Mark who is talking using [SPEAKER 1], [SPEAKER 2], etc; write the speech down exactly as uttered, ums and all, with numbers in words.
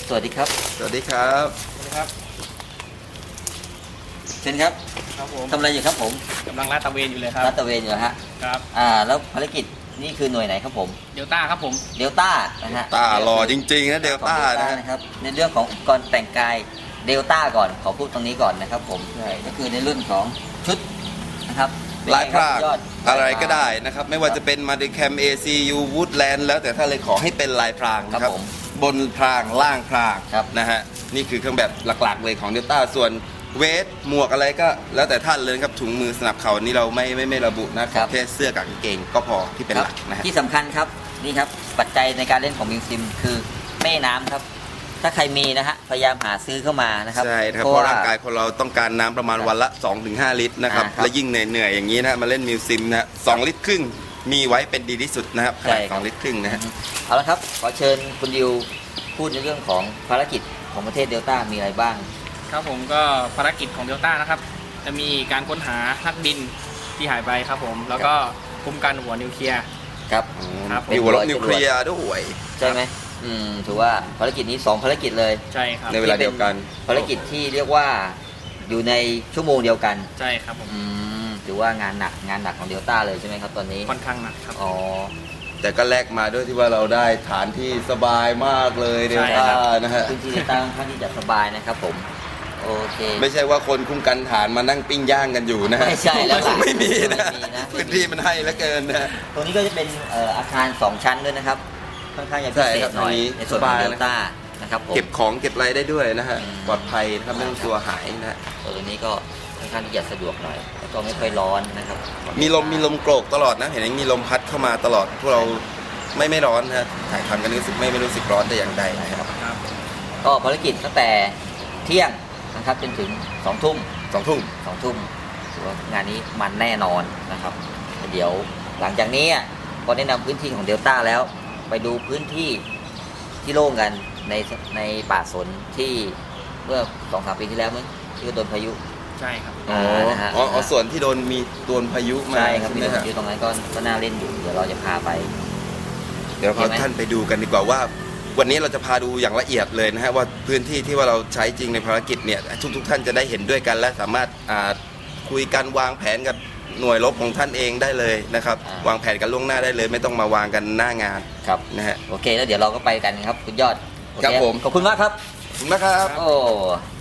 [SPEAKER 1] สวัสดีครับ
[SPEAKER 2] สวัสดีครับ
[SPEAKER 3] สวัสดีครับ
[SPEAKER 1] เชิญครับ
[SPEAKER 3] ครับผม
[SPEAKER 1] ทำอะไรอยู่ครับผม
[SPEAKER 3] กำลังลาดตระเวนอยู่เลยครับ
[SPEAKER 1] ลาดตระเวนอยู่ฮะ
[SPEAKER 3] ครับ
[SPEAKER 1] อ่าแล้วภารกิจนี่คือหน่วยไหนครับผม
[SPEAKER 3] เดลต้าครับผม
[SPEAKER 1] เดลต้านะฮะ
[SPEAKER 2] ตาหล่อจริงๆนะเดลต้า
[SPEAKER 1] นะครับในเรื่องของอุปกรณ์แต่งกายเดลต้าก่อนขอพูดตรงนี้ก่อนนะครับผมใช่ก็คือในรุ่นของชุดนะครับ
[SPEAKER 2] ลายพราง
[SPEAKER 1] ยอด
[SPEAKER 2] อะไรก็ได้นะครับไม่ว่าจะเป็นมาดิแคม เอ ซี ยู Woodland แล้วแต่ถ้าเลยขอให้เป็นลายพรางนะครับบนพรางล่างพรางนะฮะนี่คือเครื่องแบบหลักๆเลยของเดลต้าส่วนเวทหมวกอะไรก็แล้วแต่ท่านเลยครับถุงมือสนับเข่านี่เราไม่ไม่ไม่ระบุนะครับแค่เสื้อกับกางเกงก็พอที่เป็นหลักนะฮะ
[SPEAKER 1] ที่สำคัญครับนี่ครับปัจจัยในการเล่นของมิวซิมคือแม่น้ำครับถ้าใครมีนะฮะพยายามหาซื้อเข้ามานะครับ
[SPEAKER 2] ใช่ครับเพราะร่างกายคนเราต้องการน้ำประมาณวันละ สองถึงห้า ลิตรนะครับและยิ่งเหนื่อยๆอย่างนี้นะมาเล่นมิวซิมนะสองลิตรครึ่งมีไว้เป็นดีที่สุดนะครับขนาดสองลิตรครึ่งนะฮะ
[SPEAKER 1] เอาละครับขอเชิญคุณดิวพูดในเรื่องของภารกิจของประเทศเดลต้ามีอะไรบ้าง
[SPEAKER 3] ครับผมก็ภารกิจของเดลต้านะครับจะมีการค้นหานักบินที่หายไปครับผมแล้วก็คุ้มกันหัวนิวเคลียร์
[SPEAKER 1] ครับ
[SPEAKER 2] มีหัวรบนิวเคลียร์ด้วย
[SPEAKER 1] ใช่ไหมอืมถือว่าภารกิจนี้สองภารกิจเลย
[SPEAKER 3] ใช่ครับ
[SPEAKER 2] ในเวลาเดียวกัน
[SPEAKER 1] ภารกิจที่เรียกว่าอยู่ในชั่วโมงเดียวกัน
[SPEAKER 3] ใช่ครับผม
[SPEAKER 1] อืมถือว่างานหนักงานหนักของเดลต้าเลยใช่ไหมครับตอนนี้
[SPEAKER 3] ค่อนข้างหนักครับ
[SPEAKER 1] อ๋อ
[SPEAKER 2] แต่ก็แลกมาด้วยที่ว่าเราได้ฐานที่สบายมากเลยเดลต้านะฮะ
[SPEAKER 1] พื้นที่เดลต้าค่อนข้างที่จะสบายนะครับผมโอเค
[SPEAKER 2] ไม่ใช่ว่าคนคุ้มกันฐานมานั่งปิ้งย่างกันอยู่นะ
[SPEAKER 1] ไม่ใช่แล้ว
[SPEAKER 2] ไม่มีนะพื้นที่มันให้แล้วเกินนะ
[SPEAKER 1] ตรงนี้ก็จะเป็นอาคารสองชั้นด้วยนะครับค่อนข้างจะพิเศษหน่อยในส่วนของเดลต้านะครับผม
[SPEAKER 2] เก็บของเก็บอะไรได้ด้วยนะฮะปลอดภัยนะครับไม่ต้องกลัวหายนะ
[SPEAKER 1] ตัวนี้ก็ค่อนข้างที่จะสะดวกหน่อยแล้วก็ไม่ค่อยร้อนนะครับ
[SPEAKER 2] มีลมมีลมโกรกตลอดนะเห็นไหมมีลมพัดเข้ามาตลอดพวกเราไม่ไม่ร้อนนะถ่ายทำกันรู้สึกไม่ไม่รู้สึกร้อนแต่อย่างใดนะครับ
[SPEAKER 1] ก็ภารกิจตั้งแต่เที่ยงนะครับจนถึงสองทุ่ม
[SPEAKER 2] สองทุ่ม
[SPEAKER 1] สองทุ่มถือว่างานนี้มันแน่นอนนะครับเดี๋ยวหลังจากนี้ก็แนะนำพื้นที่ของเดลต้าแล้วไปดูพื้นที่ที่โล่งกันในในป่าสนที่เมื่อสองสามปีที่แล้วมั้งที่โดนพายุ
[SPEAKER 3] ใช่ครับ
[SPEAKER 2] อ๋อนะฮะอ๋อส่วนที่โดนมีโดนพายุมา
[SPEAKER 1] ใช่ครับที่โดนพายุตรงนั้นก็ก็น่าเล่นอยู่เดี๋ยวเราจะพาไป
[SPEAKER 2] เดี๋ยวพาท่านไปดูกันดีกว่าว่าวันนี้เราจะพาดูอย่างละเอียดเลยนะฮะว่าพื้นที่ที่ว่าเราใช้จริงในภารกิจเนี่ยทุกทุกท่านจะได้เห็นด้วยกันและสามารถคุยกันวางแผนกับหน่วยรบของท่านเองได้เลยนะครับวางแผนกันล่วงหน้าได้เลยไม่ต้องมาวางกันหน้างาน
[SPEAKER 1] ครับ
[SPEAKER 2] นะฮะ
[SPEAKER 1] โอเคแล้วเดี๋ยวเราก็ไปกันครับคุณยอด
[SPEAKER 2] ครับผม
[SPEAKER 1] ขอบคุณมากครับ
[SPEAKER 2] ขอบคุณมากครับ
[SPEAKER 1] โอ้